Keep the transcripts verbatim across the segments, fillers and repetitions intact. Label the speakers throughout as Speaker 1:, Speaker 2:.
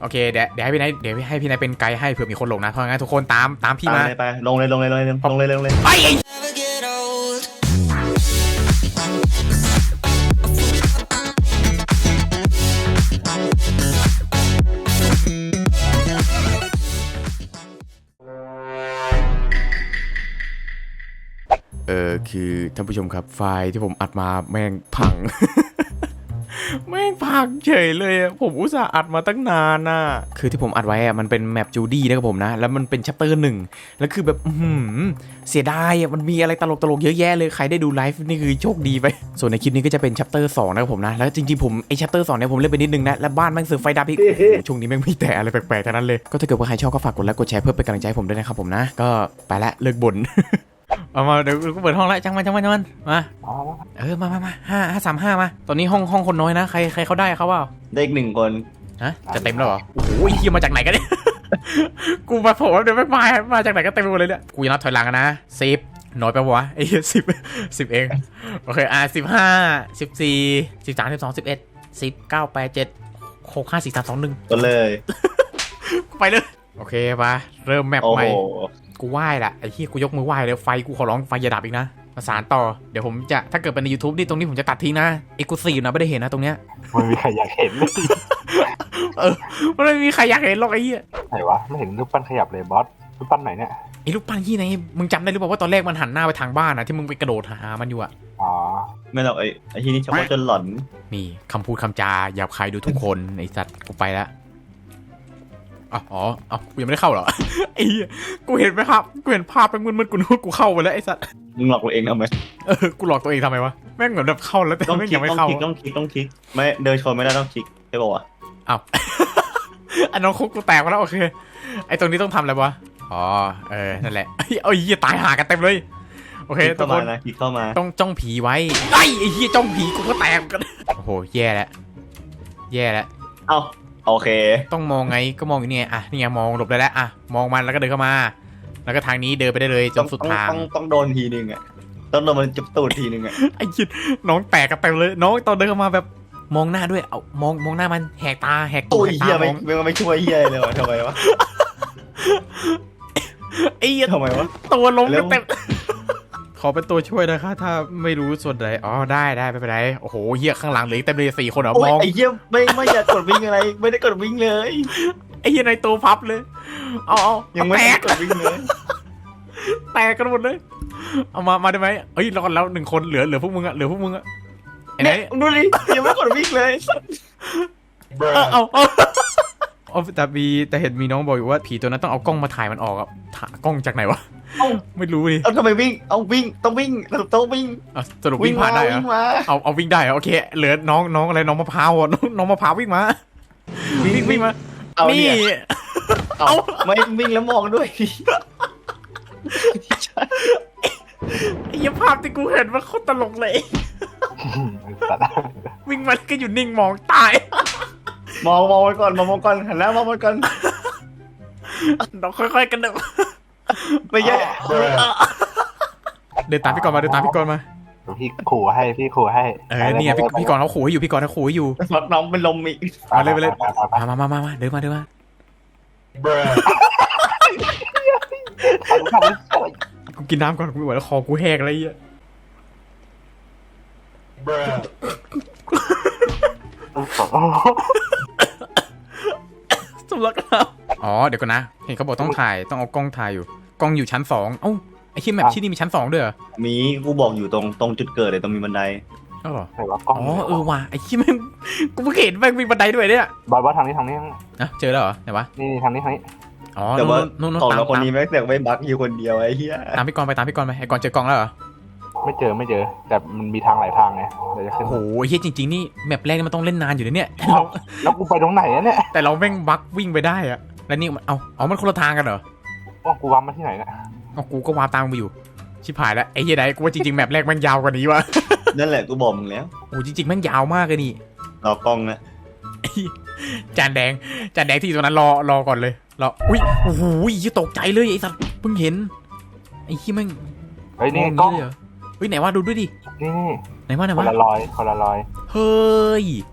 Speaker 1: โอเคเดี๋ยวเดี๋ยวให้พี่นายเดี๋ยวให้พี่นายเป็นไกด์ให้เผื่อมีคนหลงนะเพราะงั้นทุกคนตามตามพี่มา
Speaker 2: ไปลงเลยลงเลยลงเลยลงเลยลงเลย
Speaker 1: ไปเออคือท่านผู้ชมครับไฟล์ที่ผมอัดมาแม่งพัง แม่งพังเฉยเลยผมอุตส่าห์อัดมาตั้งนานน่ะคือที่ผมอัดไว้อะมันเป็นแมปจูดี้นะครับผมนะแล้วมันเป็นชัปเตอร์หนึ่งแล้วคือแบบหืมเสียดายอะมันมีอะไรตลกตลกเยอะแยะเลยใครได้ดูไลฟ์นี่คือโชคดีไปส่วนในคลิปนี้ก็จะเป็นชัปเตอร์สองนะครับผมนะแล้วจริงๆผมไอชัปเตอร์สองเนี่ยผมเล่นไปนิดนึงนะแล้วบ้านแม่งเสือไฟดับอีก ช่วงนี้แม่งมีแต่อะไรแปลกๆทั้งนั้นเลยก็ถ้าเกิดว่าใครชอบก็ฝากกดไลค์กดแชร์เพื่อเป็นกำลังใจให้ผมด้วยนะครับผมนะก็ไปละเลิกบ่น เอามาเดี๋ยวกูเปิดห้องแล้วจังมันจังมันจังมันมาเออมามามาห้าห้าสามห้ามาตอนนี้ห้องห้องคนน้อยนะใครใครเขาได้เขาเปล่า
Speaker 2: ได้อีกหนึ่งคน
Speaker 1: ฮะจะเต็มแล้วเหรอโอ้โหเฮียมาจากไหนกันเนี่ย กูมาโผล่เดี๋ยวไม่มามาจากไหนก็เต็มไปหมดเลยเนี่ยกูจะนับถอยหลังนะสิบน้อยไปวะไอ้สิบสิบเองโอเคอ่ะสิบห้าสิบสี่สิบสามสิบสองสิบเอ็ดสิบเก้าแปดเจ็ดหกห้าสี่สามสองหนึ่ง
Speaker 2: ก็เลย
Speaker 1: ไปเลยโอเคปะเริ่มแมปใหม่กูไหว้ละไอ้ที่กูยกมือไหว้เลยไฟกูขอร้องไฟอย่าดับอีกนะมาสานต่อเดี๋ยวผมจะถ้าเกิดเป็นใน YouTube นี่ตรงนี้ผมจะตัดทิ้งนะเอ็กซ์คลูซีฟนะไม่ได้เห็นนะตรงเนี้ย
Speaker 3: ไม่มีใครอยากเห็น
Speaker 1: เออไม่มีใครอยากเห็นหรอกไอ้เหี้ย
Speaker 3: ไหนวะไม่เห็นรูปปั้นขยับเลยบอสรูปปั้นไหนเนี่ย
Speaker 1: ไอ้รูปปั้นที่ไหนมึงจำได้หรือเปล่าว่าตอนแรกมันหันหน้าไปทางบ้านนะที่มึงไปกระโดดหามันอยู่อะ
Speaker 3: อ๋อ
Speaker 2: ไม่หรอกไอ้ไอ้ที่นี่ชอบจนหลอน
Speaker 1: นี่คำพูดคำจาหยาบคายดูทุกคนไอ้สัตว์กูไปแล้วอ๋ออ๋อกูยังไม่ได้เข้าหรอไอ้กูเห็นไหมครับกูเห็นภาพเป็นมึนๆกูนึกว่ากูเข้าไปแล้วไอ้สัตว์
Speaker 2: มึงหลอกตัวเองทำไม
Speaker 1: เออกูหลอกตัวเองทำไมวะแม่งเหมือนแบบเข้าแล้วแต่แม่งยังไม่เข้า
Speaker 2: ต้องคลิกต้องคลิกไม่เดินชนไม่ได้ต้องคลิกใช่ป่าว
Speaker 1: อ้าวอันน้องคุกกูแตกมาแล้วโอเคไอ้ตรงนี้ต้องทำอะไรวะอ๋อเออนั่นแหละไอ้เหี้ยตายหากันเต็มเลยโอเคทุกคน
Speaker 2: คลิกเข้ามา
Speaker 1: ต้องจ้องผีไว้ไอ้ไอ้เหี้ยจ้องผีกูก็แตกกันโอ้โหแย่แล้วแย่แล้ว
Speaker 2: เอ้าโอเค
Speaker 1: ต้องมองไงก็มองอยู่นี่อ่ะนี่ไงมองหลบได้แล้วอ่ะมองมันแล้วก็เดินเข้ามาแล้วก็ทางนี้เดินไปได้เลยจนสุดทาง
Speaker 2: ต้องต้องโดนทีนึงอ่ะต้องโดนมันจับตูดทีนึงอ่ะ
Speaker 1: ไอ้ยิดน้องแตกกันเต็มเลยน้องตอนเดินเข้ามาแบบมองหน้าด้วยเอามองมองหน้ามันแหกตาแหก
Speaker 2: ตัวเฮียไม่ไม่ไม่ช่วยเฮียเลยวะทำไมวะ
Speaker 1: ไอ้
Speaker 2: ทำไมวะ
Speaker 1: ตัวล้มกันเต็มขอเป็นตัวช่วยนะคะถ้าไม่รู้ส่วนใดอ๋อได้ได้ไม่เป็นไรโอ้โหเฮียข้างหลังเหลือเต็มเลยสี่คนเหรอมอง
Speaker 2: ไอ้เฮียไม่ไม่อยากกดวิ่งอะไรไม่ได้กดวิ่งเลย
Speaker 1: ไอ้เฮียในตัวพับเลยเอาเอา
Speaker 2: ยังไม่ได้กดวิ่งเลย
Speaker 1: แตกกันหมดเลยเอามามาได้ไหมเฮ้ยรอดแล้วหนึ่งคนเหลือเหลือพวกมึงอะเหลือพวกมึงอะ
Speaker 2: ไอ้ไหนดูดิยังไม่กดวิ่งเลย
Speaker 1: เอาเอาเอาแต่มีแต่เห็นมีน้องบอกอยู่ว่าผีตัวนั้นต้องเอากล้องมาถ่ายมันออกอะถ่ายกล้องจากไหนวะไม่รู้ดิ
Speaker 2: เอาทำไมวิ่งเอาวิ่งต้องวิ่งสรุปต้องวิ่ง
Speaker 1: สรุปวิ่งผ่านได้เหรอเอาเอาวิ่งได้โอเคเหลือน้องน้องอะไรน้องมะพร้าวน้องน้องมะพร้าววิ่งมาวิ่งวิ่งมานี่
Speaker 2: เอาไม่วิ่งแล้วมองด้วย
Speaker 1: ไอ้ภาพที่กูเห็นมันโคตรตลกเลยวิ่งมาก็อยู่นิ่งมองตาย
Speaker 2: มองมองไปก่อนมองมองก่อนหันแล้วมองไปก่อน
Speaker 1: เราค่อยๆกันเดิน
Speaker 2: ไม่แย่
Speaker 1: เดินตามพี่กรณ์มาเดินตามพี่กรณ์มา
Speaker 3: พี่ขู่ให้พี่ขู่ให้
Speaker 1: เออเนี่ยพี่พี่กรณ์เขาขู่อยู่พี่กรณ์เขาขู่อยู่
Speaker 2: น้องเป็นลมอีก
Speaker 1: มาเลยไปเลยมามามามาเดินมาเดินมากูกินน้ำก่อนกูไม่ไหวแล้วคอกูแหกอะไรเงี้ยสำลักน้ำอ๋อเดี๋ยวก่อนนะเห็นเขาบอกต้องถ่ายต้องเอากล้องถ่ายอยู่กล้องอยู่ชั้นสองเอ้าไอ้ที่แมปที่นี่มีชั้นสองด้วยเหรอ
Speaker 2: มีกูบอกอยู่ตรงตรงจุดเกิดเลยตรงมีบันได
Speaker 1: อ๋อเหรออ๋อเออว่ะไอ้ที่แม่งกูเพิ่งเห็นแม่งมีบันไดด้วยเนี่ย
Speaker 3: บอยว่าทางนี้ทางนี้
Speaker 1: นะเจอแล้วเหรอไหนวะ
Speaker 3: นี่ทางนี้ทางนี้
Speaker 1: อ๋อ
Speaker 2: แต่ว่าของเราคนนี้แม่งแต่ไม่บั๊กอยู่คนเดียวไอ้เหี้ย
Speaker 1: ตามพี่กรณ์ไปตามพี่กรณ์ไปไอ้กรณ์เจอกล้องแล้วเหรอ
Speaker 3: ไม่เจอไม่เจอแต่มันมีทางหลายทางไงเดี๋ยวจะขึ้น
Speaker 1: โอ้โหเฮียจริงๆนี่แมปแรกมันต้องเล่นนานอยู่นะเนี่ย
Speaker 3: แล้วกูไปตรงไหนเนี่ย
Speaker 1: แต่เราแม่งบั๊กวิ่งไปได้อะแล้วนี่เอาเอามันคนละทางกันเหรอ
Speaker 3: อ๋อกูวาร์ปมาที่ไหนเนี่ย
Speaker 1: อ๋อกูก็วาร์ปตามไปอยู่ชิบหายแล้วไอ้เหี้ยไหนกูว่าจริงๆแมปแรกแม่งยาวกว่านี้วะ
Speaker 2: นั่นแหละกูบอกมึงแล้ว
Speaker 1: โอ้จริงๆแม่งยาวมากเลยนี่
Speaker 2: รอกล้องนะ
Speaker 1: จานแดงจานแดงที่ตรงนั้นรอรอก่อนเลยรออุ้ยโอ้โหยี่ตกใจเลยไอ้สัตว์เพิ่งเห็นไอ้ที่แม่ง
Speaker 3: เฮ้ยนี่กล้อง
Speaker 1: เหรอเฮ้ยไหนว่าดูด้วยดิ
Speaker 3: นี่
Speaker 1: ไหนว่าไหนว่า
Speaker 3: คนละรอยคนละรอย
Speaker 1: เฮ้ย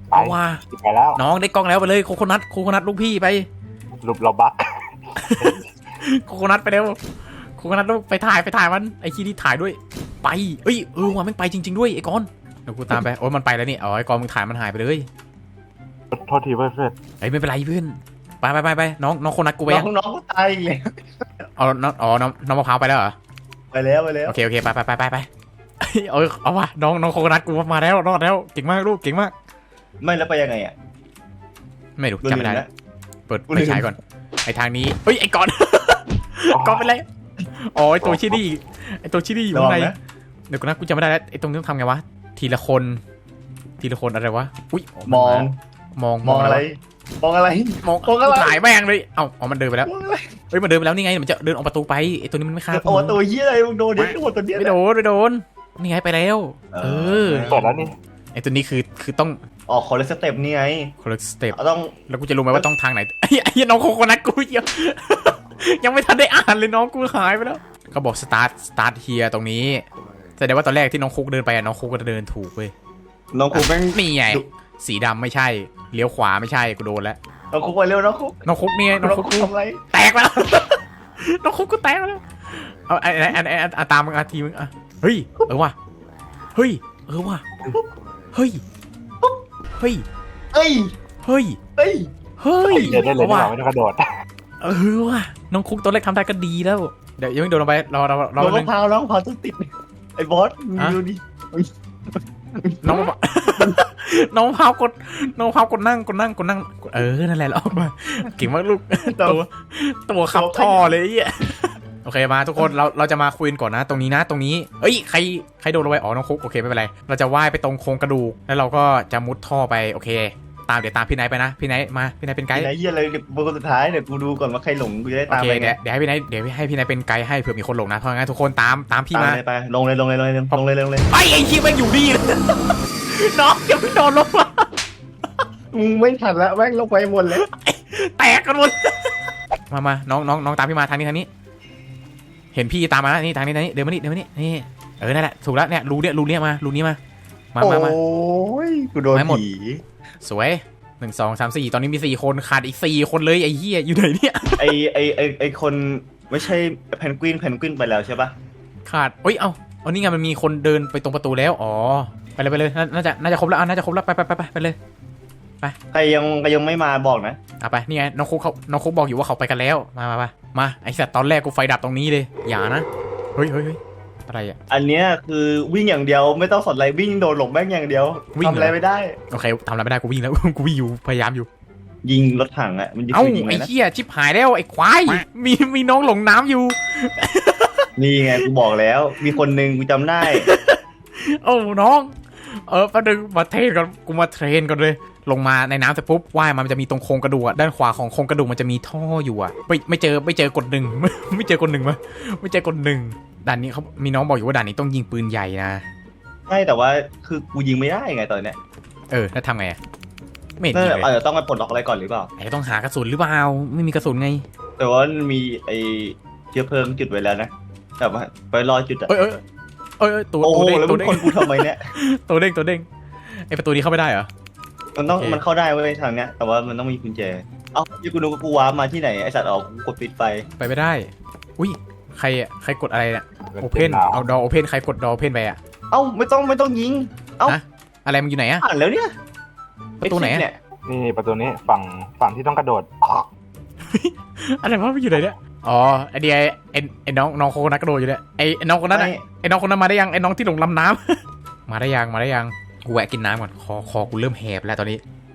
Speaker 3: ไป
Speaker 4: เอาว่า
Speaker 3: ไปแล้ว
Speaker 4: น้องได้กล้องแล้วไปเลยโคโคนัทโคโคนัทลูกพี่ไป
Speaker 3: รูปเราบัก
Speaker 4: โคโคนัทไปเร็วโคโคนัทลูกไปถ่ายไปถ่ายมันไอ้ขี้นี่ถ่ายด้วยไปเอ้ยเออว่ามันไปจริงๆด้วยไอ้กอนเดี๋ยวกูตามไปโอ้ยมันไปแล้วนี่เอาไอ้กอนมึงถ่ายมันหายไปเลย
Speaker 3: โทษทีเพื่อนเพื่อน
Speaker 4: เฮ้ยไม่เป็นไรเพื่อนไปไปไปไปน้องน้องโคโคนัทกูไป
Speaker 2: น้
Speaker 4: ยั
Speaker 2: อง งน้องก็ตายอีกเลย
Speaker 4: เอาน้องอ๋อน้องน้องมะพร้าวไปแล้วเหรอ
Speaker 2: ไปแล้วไปแล้ว
Speaker 4: โอเคโอเคไปไปไปไปไปเออเอาว่ะน้องน้องโคโคนัทกูมาแล้วรอดแล้วเก่งมากลูกเก่งมาก
Speaker 2: ไม่แล้วไปยังไงอ่ะ
Speaker 4: ไม่รู้
Speaker 2: กู
Speaker 4: จำไม่ได้
Speaker 2: ลืแล้ว
Speaker 4: เปิด
Speaker 2: กูลื
Speaker 4: ไฟ
Speaker 2: ม
Speaker 4: ฉายก่อนไอ้ทางนี้เฮ้ยไอ้กอน กอนเป็นไรอ๋อไอ้ตัวชิดี้ไอ้ตัวชิดี้อยู่
Speaker 2: ระ
Speaker 4: ข้า
Speaker 2: วั
Speaker 4: ง
Speaker 2: ง
Speaker 4: ใน
Speaker 2: นะ
Speaker 4: เดี๋ยวกูนะกูจำไม่ได้แล้วไอ้ตรงนี้ต้องทำไงวะทีละคนทีละคนอะไรวะอุ้ย
Speaker 2: มอง
Speaker 4: มอง
Speaker 2: มองอะไร มองอะไร
Speaker 4: มอง
Speaker 2: มองอะไร
Speaker 4: ถ่ายแม่งเลยเอ้าอ๋อมันเดินไปแล้ว
Speaker 2: มองอะไร
Speaker 4: เฮ้ยมันเดินไปแล้วนี่ไงมันจะเดินออกประตูไปไอ้ตัวนี้มันไม่ฆ่า
Speaker 2: โอ้ตัวเหี้ยอะไรมึงโดนเด็กโดนตัวเนี้ย
Speaker 4: ไม่โดนไม่โดนนี่ไงไปแล้ว เออ
Speaker 3: เปิดแล้วนี่
Speaker 4: ไอ้ตัวนี้คือคือต้อง
Speaker 2: ออกคนละสเต็ปนี่ไง
Speaker 4: คนละสเต็ป
Speaker 2: เอาต้อง
Speaker 4: แล้วกูจะรู้ไหมว่าต้องทางไหนไอ้ไอ้น้องโคโคนัทกูเยอะ ยังไม่ทันได้อ่านเลยน้องกูหายไปแล้วเขาบอก start start here ตรงนี้แสดงว่าตอนแรกที่น้องคุกเดินไปอะน้องคุกก็เดินถูกเว้ย
Speaker 2: น้องคุกแม่ง
Speaker 4: นี่ไงสีดำไม่ใช่เลี้ยวขวาไม่ใช่กูโดนแล้ว
Speaker 2: น้องคุกไปเร็วน้องคุก
Speaker 4: น้องคุกนี่ไงน้องคุกกู
Speaker 2: ทำอะไร
Speaker 4: แตกแล้ว น้องคุกกูแตกแล้วเอาไอ้ไอ้ไอ้ไอ้ไอ้ตามมึงอาทีมึงอ่ะเฮ้ยเออว่ะเฮ้ยเออว่ะเฮ้ยเฮ้ย
Speaker 2: เอ้ย
Speaker 4: เฮ้ย
Speaker 2: เอ้ย
Speaker 4: เฮ้ย
Speaker 3: เดินได้เลย
Speaker 4: อา
Speaker 3: ไม่
Speaker 4: ว่ะ
Speaker 3: ต้องไม่ต้องกระโดด
Speaker 4: เออว่ะน้องคุกตัวเล็กทำได้ก็ดีแล้วเดี๋ยวยังไม่โดนลงไปรอรอรอ
Speaker 2: น้อง
Speaker 4: นึ
Speaker 2: มะ
Speaker 4: ง
Speaker 2: พร้าวน้องมะพร้าวต้องติดไอ้บอสมึง
Speaker 4: ฮะ
Speaker 2: ดูดิ
Speaker 4: น้องมะพร้าว น้องมะพร้าวกดน้องมะพร้าวกดนั่งกดนั่งกดนั่งเออนั่นแหละเราออกมาเก่งมากลูกตัวตัวขับท่อเลยไอ้เหี้ยโอเคมาทุกคนเราเราจะมาคุยกันก่อนนะ ตรงนี้นะตรงนี้เอ้ยใครใครโดนลงไปอ๋อน้องคุกโอเคไม่เป็นไรเราจะว่ายไปตรงโครงกระดูกแล้วเราก็จะมุดท่อไปโอเค ตามเดี๋ยวตามพี่ไนท์ไปนะพี่ไนท์มาพี่ไนท์เป็นไกด์
Speaker 2: ไอ้เหี้ยอะไรเดี๋ยวคนสุดท้ายเดี๋ยวกูดูก่อนว่าใครหลงกูจะได้
Speaker 4: โอ
Speaker 2: ตาม
Speaker 4: เค
Speaker 2: ไปไง
Speaker 4: เดี๋ยวเดี๋ยวให้พี่ไนท์เดี๋ยวให้พี่ไนท์เป็นไกด์ให้เผื่อมีคนหลงนะเพราะงั้นทุกคนตามตามพี่
Speaker 2: ตาม
Speaker 4: มา
Speaker 2: เลยไปลงเลยลงเลยลงเลยลงเลยลงเลย
Speaker 4: ไอ้ไอ้ที่แม่งอยู่นี่เลย น้องยังไม่โดนลงมา
Speaker 2: มึงไม่ทันแล้วแม่งลงไปหมดเลย
Speaker 4: แตกกันหมด มามาน้องน้องน้องตามพี่มาทางนี้ทางนี้ เห็นพี่ตามมาแล้วนี่ทางนี้ทางนี้เดินมานี่เดินมานี่นี่เออนั่นแหละถูกแล้วเนี่ยรูเนี่ยรูเนี่ยมารูนี้มามามามา
Speaker 2: โอ้ยกูโดน
Speaker 4: ไม่หมด
Speaker 2: ผี
Speaker 4: สวยหนึ่งสองสามสี่ตอนนี้มีสี่คนขาดอีกสี่คนเลยไอ้เหี้ยอยู่ไหนเนี่ย
Speaker 2: ไอไอไอไอคนไม่ใช่เพนกวินเพนกวินไปแล้วใช่ปะ
Speaker 4: ขาดเอ้ยเอาเอานี่ไงมันมีคนเดินไปตรงประตูแล้วอ๋อไปเลยไปเลยน่าน่าจะน่าจะครบแล้วอ่ะน่าจะครบแล้วไปไปไปไปไปเลย
Speaker 2: ใครยังใครยังไม่มาบอกนะ
Speaker 4: อ่ะไปนี่ไงน้องคุกเขาน้องคุกบอกอยู่ว่าเขาไปกันแล้วมามามามาไอสัตว์ตอนแรกกูไฟดับตรงนี้เลยอย่านะเฮ้ยเฮ้ยเฮ้ยอะไรอ่ะ
Speaker 2: อันเนี้ยคือวิ่งอย่างเดียวไม่ต้องสนอะไรวิ่งโดนหลบแม่งอย่างเดียว
Speaker 4: วิ่ง
Speaker 2: ทำอะไร
Speaker 4: เหรอ
Speaker 2: ไม่ได้
Speaker 4: โอเคทำอะไรไม่ได้กูวิ่งแล้ว กูวิ่งอยู่พยายามอยู่
Speaker 2: ยิงรถถังอ่ะมันยิง
Speaker 4: เอ้า
Speaker 2: คือยิงเล
Speaker 4: ไอ้
Speaker 2: ยนะ
Speaker 4: เหี้ยชิบหายแล้วไอ้ควายมีมีน้องหลงน้ำอยู่
Speaker 2: นี่ไงกูบอกแล้ว มีคนหนึ่งกูจำได้
Speaker 4: โอ้น้องเออแป๊บนึงมาเทรนก่อนกูมาเทรนก่อนเลย ลงมาในน้ำเสร็จปุ๊บว่ายมามันจะมีตรงโครงกระดูกอะด้านขวาของโครงกระดูกมันจะมีท่ออยู่อะไม่ไม่เจอไม่เจอกดหนึ่ง ไม่ไม่เจอกดหนึ่งมาไม่เจอกดหนึ่งด่านนี้เขามีน้องบอกอยู่ว่าด่านนี้ต้องยิงปืนใหญ่นะ
Speaker 2: ไม่แต่ว่าคือกูยิงไม่ได้ไงตอนเนี้ย
Speaker 4: เออแล้วทำไงอะไม่เห็น
Speaker 2: นั่น
Speaker 4: ยิง
Speaker 2: แหละ
Speaker 4: เลย
Speaker 2: เออต้องไปปลดล็อกอะไรก่อนหรือเปล่า
Speaker 4: ไอ้ต้องหากระสุนหรือเปล่าไม่มีกระสุนไง
Speaker 2: แต่ว่ามันมีไอเชื้อเพลิงจุดไว้แล้วนะแต่ว่าไปรอจุดอะ
Speaker 4: เอ้ยเอ้ยเอ้ยเอ้ยตัว
Speaker 2: โอ้
Speaker 4: ตัว
Speaker 2: โห
Speaker 4: เด้ง
Speaker 2: แล้ว
Speaker 4: ตั
Speaker 2: มึ
Speaker 4: ว
Speaker 2: ง
Speaker 4: เด้ง
Speaker 2: คนกูทำไมเนี่ย
Speaker 4: ตัวเด้งตัวเด้งไอ้ประตูนี้เข้าไม่ได้เหรอ
Speaker 2: มันต้อง
Speaker 4: โอเค
Speaker 2: มันเข้าได้เว้ยทางเนี้ยแต่ว่ามันต้องมีกุญแจเอ้าที่กูนึกว่ากูว้าร์ปมาที่ไหนไอสัตว์ออกกูกดปิดไฟ
Speaker 4: ไปไม่ได้ อุ้ยใครอะใครกดอะไรเนี่ยโอเพน
Speaker 3: หนาว
Speaker 4: เอาดอโอเพนใครกดดอโอเพนไปอะ
Speaker 2: เอ้าไม่ต้องไม่ต้องยิง เอ้า
Speaker 4: ฮะอะไรมันอยู่ไหนอะ
Speaker 2: อ่านแล้วเนี่ย
Speaker 4: ประตูไหนอะ
Speaker 2: เนี่ย
Speaker 3: นี่ประตูนี้ฝั่งฝั่งที่ต้องกระโดด
Speaker 4: อะไรวะมันอยู่ไหนเนี่ยอ๋อไอเดียไอไอน้องน้องโคนัทกระโดดอยู่เนี่ยไอไอน้องคนนั้นอะ
Speaker 2: ไม่
Speaker 4: ไอน้องคนนั้นมาได้ยังไอน้องที่หลงลำน้ำ มาได้ยังมาได้ยังกูแวะกินน้ำก่อนคอคอกูเริ่มแหบแล้วตอนนี้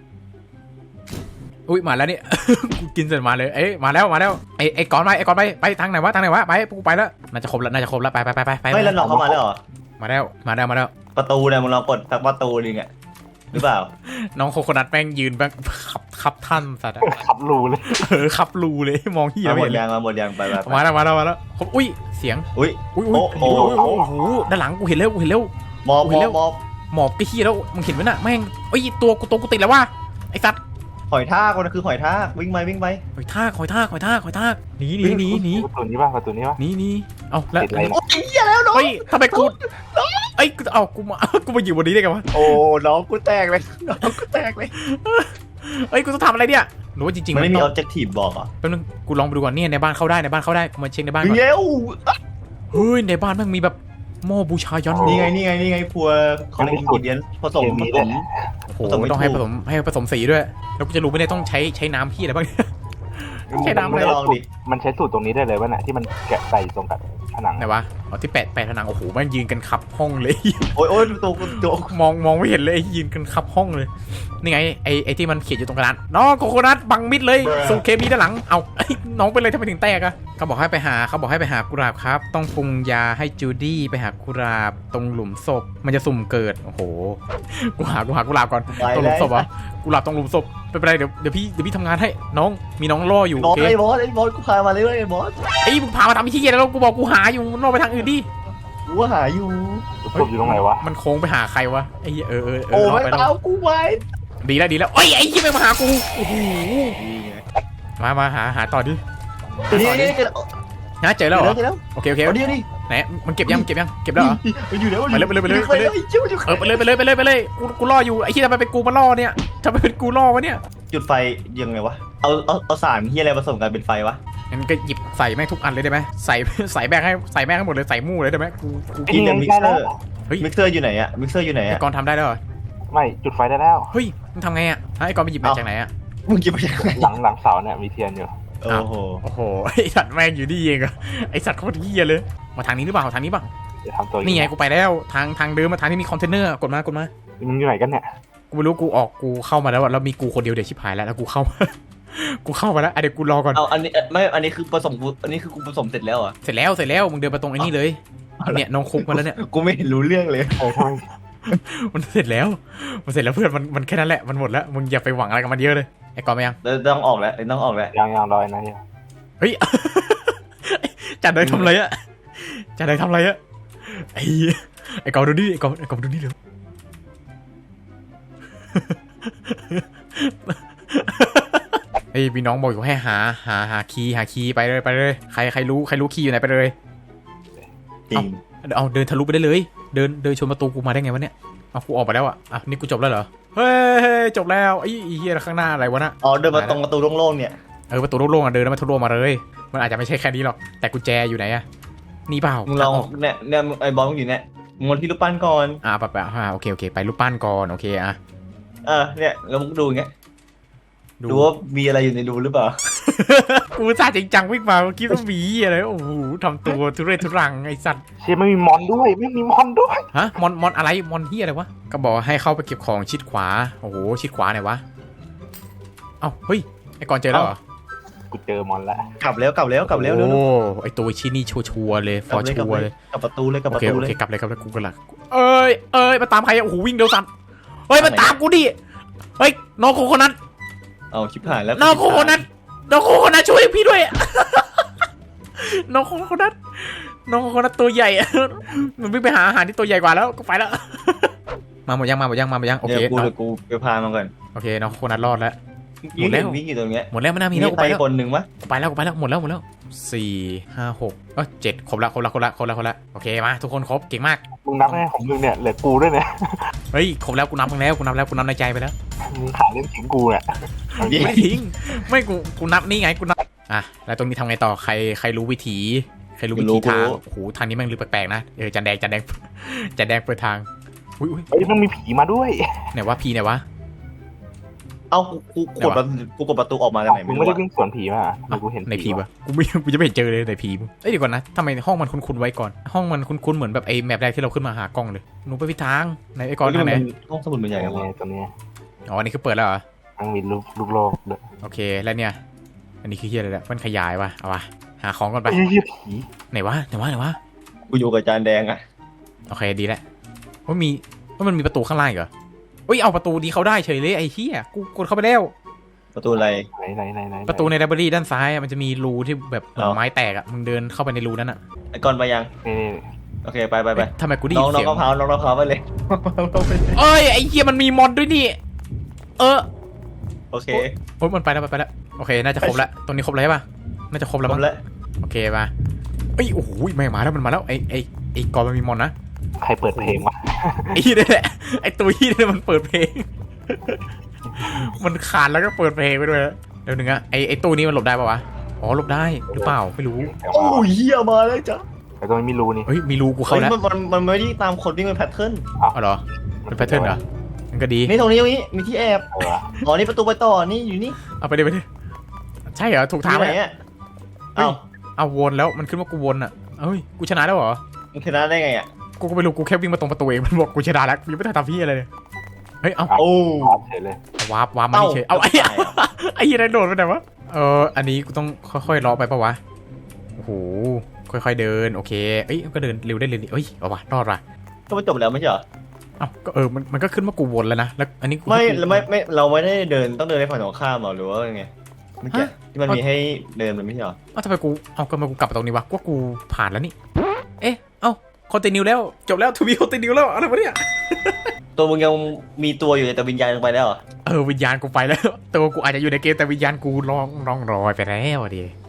Speaker 4: อุ้ยมาแล้วนี่ กูกินเสร็จมาเลยเอ้ยมาแล้วมาแล้วไอไอก่อนไปไอก่อนไปไปทางไหนวะทางไหนวะไปกูไปแล้วน่าจะครบแล้วน่าจะครบแล้วไปไปไปไปไป
Speaker 2: ไม่แล้วน้องเข้ามาแล้วเหรอ
Speaker 4: มาแล้วมาแล้วมาแล้ว
Speaker 2: ประตูเนี่ยมึงลองกดสักประตูหนึงอะหรือเปล่า
Speaker 4: น้องโคโคนัทแม่งยืนแม่งขับขับท่านสัตว์อะ
Speaker 3: ขับรูเลย
Speaker 4: เออขับรูเลยมองที่
Speaker 2: มา
Speaker 4: ไม่
Speaker 2: หม
Speaker 4: เห็
Speaker 2: ด
Speaker 4: นเลย
Speaker 2: ยางมาหมดยางไปไปไป
Speaker 4: มาแล้วมาแล้วมาแล้วอุ้ยเสียง
Speaker 2: อุ้ย
Speaker 4: อุ้ยอุ้ย
Speaker 2: โอ้
Speaker 4: โอ้
Speaker 2: โอ้
Speaker 4: โหโอ้โหด้านหลังกูเห็นแล้วกูเห็นแล้ว
Speaker 2: มอบ
Speaker 4: โอ้
Speaker 2: ม
Speaker 4: ย
Speaker 2: อ
Speaker 4: แล้
Speaker 2: บ
Speaker 4: ว
Speaker 2: มอบ
Speaker 4: หมอบก็ขี้แล้วมึงเห็นไหมน่ะแม่งเอ้ยตัวกูตัวกูติดแล้วว่ะไอ้สัตว์
Speaker 2: หอยทากมันคือหอยทากวิ่งไปวิ่งไป
Speaker 4: หอยทากหอยทากหอยทากหอยทากหนีหนีหนีหนี
Speaker 3: ประตูนี้ป่ะประตูนี้ป่ะ
Speaker 4: หนีหนีเอาแล้ว
Speaker 3: ติดอะไรนะ
Speaker 2: โอ้ยเหี้ยแล้วน้อง
Speaker 4: เฮ้ยทำไมกูเอ้ยเอากูมา กูมาอยู่บนนี้ได้ไงวะ
Speaker 2: โอ้น้องกูแตกเลยน้องกูแตกเลย
Speaker 4: เอ้ยกูต้องทำอะไรเนี่ยหรือว่าจริงๆ
Speaker 2: มันไม่มี
Speaker 4: ต้
Speaker 2: อ
Speaker 4: อ
Speaker 2: อง บเจกตีฟบอกอ่ะ
Speaker 4: แป๊บนึงกูลองไปดูก่อนเนี่ยในบ้านเข้าได้ในบ้านเข้าได้กูมาเช็คในบ้านก่อน
Speaker 2: เย้ว
Speaker 4: เฮ้ยในบ้านแม่งมีแบบหม้อบูชายัน
Speaker 2: นี่ไงนี่ไงนี่ไงครัวของอินกิเดียนผสมผสม
Speaker 4: โอ้โห
Speaker 2: ผสมไม่
Speaker 4: ต้องให้
Speaker 2: ถู
Speaker 4: ผ
Speaker 2: ก
Speaker 4: สมให้ผสมสีด้วยแล้วกูจะรู้ไม่ได้ต้องใช้ใช้น้ำพี่อะไรบ้างเนี่ย ใช้น้ำ
Speaker 2: มึ
Speaker 4: อะไร
Speaker 2: งลองดิ
Speaker 3: มันใช้สูตรตรงนี้ได้เลยวะน่ะที่มันแกะใส่ตรงกับผนัง
Speaker 4: ไหนวะอ๋อที่แปะแปะผนังโอ้โหแม่งยืนกันขับห้องเลย
Speaker 2: โอ้ยโอ้ยตัวตัว
Speaker 4: มองมองไม่เห็นเลยไอ้ยืนกันขับห้องเลยนี่ไงไอ้ไอ้ที่มันเขียนอยู่ตรงกระดานน้องโคโคนัทบังมิดเลยสูเคมีด้านหลังเอาไอ้น้องเป็นเลยทำไมถึงแตกอะเขาบอกให้ไปหาเขาบอกให้ไปหากุหลาบครับต้องปรุงยาให้จูดี้ไปหากุหลาบตรงหลุมศพมันจะสุ่มเกิดโอ้โหกูหากูหากุหลาบก่อนตรงหลุมศพเหรอกุหลาบตรงหลุมศพไม่เป็นไรเดี๋ยวเดี๋ยวพี่เดี๋ยวพี่ทำงานให้น้องมีน้องล่ออยู่
Speaker 2: บ
Speaker 4: โอ
Speaker 2: อส
Speaker 4: เค
Speaker 2: ไอ้บอสไอ้บอสกูพามาเลยไอ้บอส
Speaker 4: ไอ้มึงพามาทำที่เกียแล้วกูบอกกูหาอยู่ล่อไปทางอื่นดิ
Speaker 2: กูว่าหาอยู่
Speaker 3: ศพอยู่ตรงไหนวะ
Speaker 4: มันโค้งไปหาใครวะไอ้เหี้ยเออเออเอ
Speaker 2: โอ้
Speaker 4: อล่อ
Speaker 2: ไม่
Speaker 4: ไปล่อ
Speaker 2: ตามกูไว้
Speaker 4: ดีแล้วดีแล้วเอ้ยไอ้ที่ไม่มาหากูโอ้โห
Speaker 2: นี่ไง
Speaker 4: มามาหาหาต่อดิ
Speaker 2: นี่นี่เจอ
Speaker 4: หาเจอแล้วเหรอ
Speaker 2: เจอแล้ว
Speaker 4: โอเคโอเค
Speaker 2: เอาดิเอาดิ
Speaker 4: ไหนมันเก็บยังมันเก็บยังเก็บแล้วเหรอ
Speaker 2: มันอยู่แล้ว
Speaker 4: ไปเลยไปเลยไปเลยไปเลย
Speaker 2: เชื่อมันอยู่
Speaker 4: เออไปเลยไปเลยไปเลยไปเลยกูกูล่ออยู่ไอ้ที่ทำไมเป็นกูมาล่อเนี่ยทำไมเป็นกูล่อวะเนี่ย
Speaker 2: จุดไฟยังไงวะเอาเอาเอาสารที่อะไรผสมกันเป็นไฟวะ
Speaker 4: งั้นก็หยิบใส่แม่งทุกอันเลยได้ไหมใส่ ใส่แม่งให้ใส่แม่งให้หมดเลยใส่มู่เลยได้ไหมกูกู
Speaker 2: กินแต่มิกเซอร์
Speaker 4: เฮ้ย
Speaker 2: มิกเซอร์อยู่ไหนอะมิกเซอร์อยู่ไหน
Speaker 4: ไอ้
Speaker 2: อะ
Speaker 4: กรณ์ทำได้แล้วเหรอ
Speaker 3: ไม่จุดไฟได้แล้ว
Speaker 4: เฮ้ยมึงทำไงอ่ะฮะไอ้กรณ์ไปหยิบมาจากไหนอ่ะ
Speaker 2: มึงกินไปยังไง
Speaker 3: หลังหลังเสาเนี่ยมีเทียนอยู่
Speaker 2: โอ้โห
Speaker 4: โอ้โหไอ้สัตว์แม่งอยู่นี่เองอะไอ้สัตว์โคตรเหี้ยเลยมาทางนี้หรือเปล่าทางนี้เปล่า
Speaker 3: จะทำตัว
Speaker 4: นี่ไงกูไปแล้วทางทางเดิมมาทางที่มีคอนเทนเนอร์กดมากดมา
Speaker 3: มึงอยู่ไหนกันเนี่ย
Speaker 4: กูไม่รู้กูออกกูเข้ามาแล้วอะแล้วมีกูคนเดียวเดี๋ยวชิบหายแล้วแล้วกูเข้า กูเข้ามาแล้วอ่ะเดี๋ยวกูรอก่อน
Speaker 2: เอาอันนี้ไม่อันนี้คือผสมกูอันนี้คือกูผสมเสร็จแล้วอ่ะ
Speaker 4: เสร็จแล้วเสร็จแล้วมึงเดินไปตรงไอ้นี่เลยเนี่ยน้องคุกมาแล้วเนี่ย
Speaker 2: กูไม่เห็นรู้เรื่องเลย
Speaker 3: เออทำไม
Speaker 4: มันเสร็จแล้วมันเสร็จแล้วเพื่อนมันมันแค่นั้นแหละมันหมดแล้วมึงอย่าไปหวังอะไรกับมันเยอะเลยไอ้กอนไปยัง
Speaker 2: เดี๋ยวต้องออกแล้วเดี๋ยวต้องออกแล้ว
Speaker 3: ยังยังรอยนะเนี่ย
Speaker 4: เฮ้ย จัดเลยทำอะไรอะจัดเลยทำอะไรอะไอ้เหี้ยไอ้กอนดูนี่ไอ้กอนไอ้กอนดูนี่เร็ว ไอ้พี่น้องบอกอยู่ให้หาหาหาคีย์หาคีย์ไปเลยไปเลยใครใครรู้ใครรู้คีย์อยู่ไหนไปเลย
Speaker 2: จริง
Speaker 4: เอาเดินทะลุไปได้เลย เดินเดินชนประตูกูมาได้ไงวะเนี่ยเอากูออกไปแล้วอ่ะอ่ะนี่กูจบแล้วเหรอเฮ้ยจบแล้วไอ้เหี้ยข้างหน้าอะไรวะน่ะ
Speaker 2: อ๋อเดินมาตรงประตูโล่งๆเนี่ย
Speaker 4: เออประตูโล่งๆอ่ะเดินแล้วมาทะลุมาเลยมันอาจจะไม่ใช่แค่นี้หรอกแต่กุญแจอยู่ไหนอ่ะนี่เปล่า
Speaker 2: มึงลองเนี่ยเนี่ยไอ้บอลมึงอยู่เนี่ยมึงลองที่รูปปั้นก่อน
Speaker 4: อ่าปะปะอ่าโอเคโอเคไปรูปปั้นก่อนโอเคอ่ะ
Speaker 2: เออเนี่ยแล้วมึงดูอย่างเงี้ย
Speaker 4: ดู
Speaker 2: ดูว่ามีอะไรอยู่ในรูหรือเปล่า
Speaker 4: กูซาจริงจังวิ่งมาเมื่อกี้ต้องหมีอะไรโอ้โหทำตัวทุเรศทุรังไอ้สัตว์
Speaker 3: เชี่ยไม่มีมอนด้วยไม่มีมอนด้วย
Speaker 4: ฮะมอนมอนอะไรมอนเฮียอะไรวะก็บอกให้เข้าไปเก็บของชิดขวาโอ้โหชิดขวาไหนวะเอ้าเฮ้ยไอ้กอนเจอแล้วเหรอ
Speaker 3: กูเจอมอนแล้ว
Speaker 2: กลับแล้วกลับแล้วกลับแล้วเร็ว
Speaker 4: โอ้ไอ้ตัวชิ้นนี้ชัวร์ๆเลยฟอร์ชัวร์เลย
Speaker 2: กลับประตูเลยกลับ
Speaker 4: โอ
Speaker 2: ประ
Speaker 4: เค
Speaker 2: ตู
Speaker 4: โอ
Speaker 2: เล
Speaker 4: เค
Speaker 2: ย
Speaker 4: กลับเลยกลับเลยกูกันละเอ้ยเอ้ยมาตามใครอะโอ้โหวิ่งเร็วสันเฮ้ยมาตามกูดิเฮ้ยน้องโคโคนัท
Speaker 2: เอาชิบหายแล้ว
Speaker 4: น้องโคโคนัทน้องโคโคนัทช่วยพี่ด้วย น้องโคโคนัทน้องโคโคนัทตัวใหญ่ มันวิ่งไปหาอาหารที่ตัวใหญ่กว่าแล้วก็ไปแล้ว มาหมดยังมาหมดยังมาหมดยังโอ
Speaker 2: เดี๋
Speaker 4: เค
Speaker 2: ยวกู
Speaker 4: น้อง
Speaker 2: เดี๋ยวกูไปพามันก่อน
Speaker 4: โอเคน้องโคโคนัทรอดแล้ว ห
Speaker 2: ยิ
Speaker 4: ม
Speaker 2: ง
Speaker 4: ดแล้ว
Speaker 2: วิ่งอยู่ตรงเนี้ย
Speaker 4: หมดแล้วไม่น่ามี
Speaker 2: มี
Speaker 4: แล้วกู
Speaker 2: ใคร
Speaker 4: ไปแล้ว
Speaker 2: คนหนึ่งวะ
Speaker 4: กูไปแล้วกูไปแล้วหมดแล้วหมดแล้วสี่ห้าหกเออเจ็ดครบละครบละครบละครบละครบละโอเคมาทุกคนครบเก่งมาก
Speaker 3: มึงนับให้ของมึงเนี่ยเหลือกูด้วยเนี่ย
Speaker 4: เฮ้ยครบแล้วกูนับมึงแล้วกูนับแล้วกูนับในใจไปแล้ว
Speaker 3: มึงขาเล่นถึงกูเนี่ย
Speaker 4: ไม่ทิ้งไม่กูกูนับนี่ไงกูนับอ่ะแล้วตรงนี้ทำไงต่อใครใครรู้วิถีใครรู้วิถีทางโอ้โหทางนี้แม่งลึกแปลกๆนะเออจันแดงจันแดง จันแดงเปิดทางอุ้ยอุ้ย
Speaker 3: เฮ้ยมันมีผีมาด้วย
Speaker 4: ไหนวะพีไหนวะ
Speaker 2: เอ้ากูกูกดประตูกูกดประตูออกมาจากไหน
Speaker 3: มึ
Speaker 2: ไม่
Speaker 3: ง
Speaker 2: รู้
Speaker 3: ไม่ได้
Speaker 2: อะ
Speaker 3: วิ่งสวนผีมาทำไมกูเห็น
Speaker 4: ในพีวะกูไม่กูจะไม่เห็นเจอเลยในพีมึงเอ้ยเดี๋ยวก่อนนะทำไมห้องมันคุ้นๆไว้ก่อนห้องมันคุ้นๆเหมือนแบบไอ้แมปแรกที่เราขึ้นมาหากล้องเลยหนูไปพิดทางไหนไอ้กอนทางไหน
Speaker 2: ห้องสมุดมันใหญ่
Speaker 3: ใหญ่
Speaker 2: กันวะ
Speaker 3: ตัวนี้
Speaker 4: อ๋ออันนี้คือเปิดแล้วเหรอ
Speaker 3: ทั้งมีลูกลูกโลกด้วย
Speaker 4: โอเคแล้วเนี่ยอันนี้คือเฮียอะไรเนี่ยมันขยายวะเอาวะหาของก่อนไป
Speaker 3: ไอ้เหี้ยผี
Speaker 4: ไหนวะไหนวะไหนวะ
Speaker 2: กูอยู่กับจานแดงอะ
Speaker 4: โอเคดีแล้วว่ามีว่ามันมีประตูข้างล่างอีกเหรอเอ้ยเอาประตูดีเขาได้เฉยเลยไอ้เฮียกูกดเข้าไปแล้ว
Speaker 2: ประตูอะไร
Speaker 3: ไหนไหนไหนไหน
Speaker 4: ประตูในไลบรารีด้านซ้ายอะมันจะมีรูที่แบบเหมือน
Speaker 2: อ๋อ
Speaker 4: ไม้แตกอ่ะมึงเดินเข้าไปในรูนั้นอ่ะ
Speaker 2: ไอ้กอนไปยัง
Speaker 3: นี่นี่
Speaker 2: โอเคไปไปไป
Speaker 4: เอ๊ะทำไมกูได้
Speaker 2: น้
Speaker 4: ยิ
Speaker 2: อง
Speaker 4: น
Speaker 2: น้อ
Speaker 4: เสี
Speaker 2: ง
Speaker 4: ยง
Speaker 2: มะพร้าวน้องมะพร้าวไปเลย
Speaker 4: เอ้ยไอ้เฮียมันมีมอนด้วยนี่เออ
Speaker 2: โอเค
Speaker 4: โอ้ยมันไปแล้วมันไปแล้วโอเคน่าจะครบแล้วตรงนี้ครบแล้วใช่ปะน่าจะครบแล้ว
Speaker 2: คร
Speaker 4: มั้
Speaker 2: บ
Speaker 4: ง
Speaker 2: แล้ว
Speaker 4: โอเคมาเอ้ยโอ้โหแม่งมาแล้วมันมาแล้วไอ้ไอ้ไอ้กอนมันมีมอนนะ
Speaker 3: ใครเปิดเพลงวะ
Speaker 4: ไอ้เหี้ยนี่แหละไอ้ตัวเหี้ยนี่มันเปิดเพลง มันขาดแล้วก็เปิดเพลงไปด้วยนะเดี๋ยวหนึ่งอะไอ้ไอ้ตู้นี้มันหลบได้ปะวะอ๋อหลบได้หรือเปล่าไม่รู้
Speaker 3: แต่
Speaker 2: โอ้
Speaker 3: ว่าย
Speaker 2: เหี้ยมาแล้วจ้ะ
Speaker 3: แต่ตรงนี้ไม่รู้นี่
Speaker 4: เฮ้ยมีรูกูเข้า
Speaker 2: เฮ้ย
Speaker 4: แล้ว
Speaker 2: มันมันมันไม่ได้ตามคนวิ่งเป็นแพทเทิร์น
Speaker 4: เอาเหรอเป็นแพทเทิร์นเหรอมันก็ดี
Speaker 2: นี่ตรงนี้ตรงนี้มีที่แอบ
Speaker 3: เออ
Speaker 2: อ๋อนี่ประตูไปต่อนี่อยู่นี่
Speaker 4: เอาไปดิไปดิใช่เหรอถูกทาง
Speaker 2: ที่
Speaker 4: ไห
Speaker 2: ไห
Speaker 4: ม
Speaker 2: นอ่ะเอ้า
Speaker 4: เอาวนแล้วมันขึ้นว่ากูวนอ่ะเอ้ยกูชนะแล้วเหรอ
Speaker 2: มึงชนะได้ไงอ่ะ
Speaker 4: กูก็ไม่รู้กูแค่วิ่งมาตรงประตูเองมันบอกกูชนะแล้วกูยังไม่ได้ทำพี่อะไรเลยเฮ้ยเอา
Speaker 2: โอ้
Speaker 3: เฉยเลย
Speaker 4: วาร์ปวาร์ปมาที่เฉยเอาไอ้
Speaker 2: ตายอ่ะ
Speaker 4: ไอ้เหี้ยันโดดไปไหนวะเอออันนี้กูต้องค่อยๆล้อไปปะวะโอ้โหค่อยๆเดินโอเคเอ้ยก็เดินเร็วได้เลยนี่เอ้ยเอาวะรอดว่ะ
Speaker 2: ก็มันจบแล้วไม่ใช่เหรอ
Speaker 4: เอ้าก็เออมันมันก็ขึ้นว่ากูวนแล้วนะแล้วอันนี้กู
Speaker 2: ไม่เราไม่ไม่เราไม่ได้เดินต้องเดินในฝั่งตรงข้ามหรอหรือว่าไงเมื่อกี้ที่มันมีให้เดินมันไม่ใช่เหรอ
Speaker 4: เอ้าทำไมกูเอาก็มากูกลับมาตรงนี้วะกูว่ากูผ่านแล้วนี่เอ๊ะเอ้าคอนติเนียแล้วจบแล้วทูบีคอนติเนียแล้วอะไรวะเนี่ย
Speaker 2: ตัวมึงยังมีตัวอยู่แต่วิญญาณลงไปแล้วเหรอ
Speaker 4: เออวิญญาณกูไปแล้วตัวกูอาจจะอยู่ในเกมแต่วิญญาณกูลองลองรอยไปแล้วอะดิ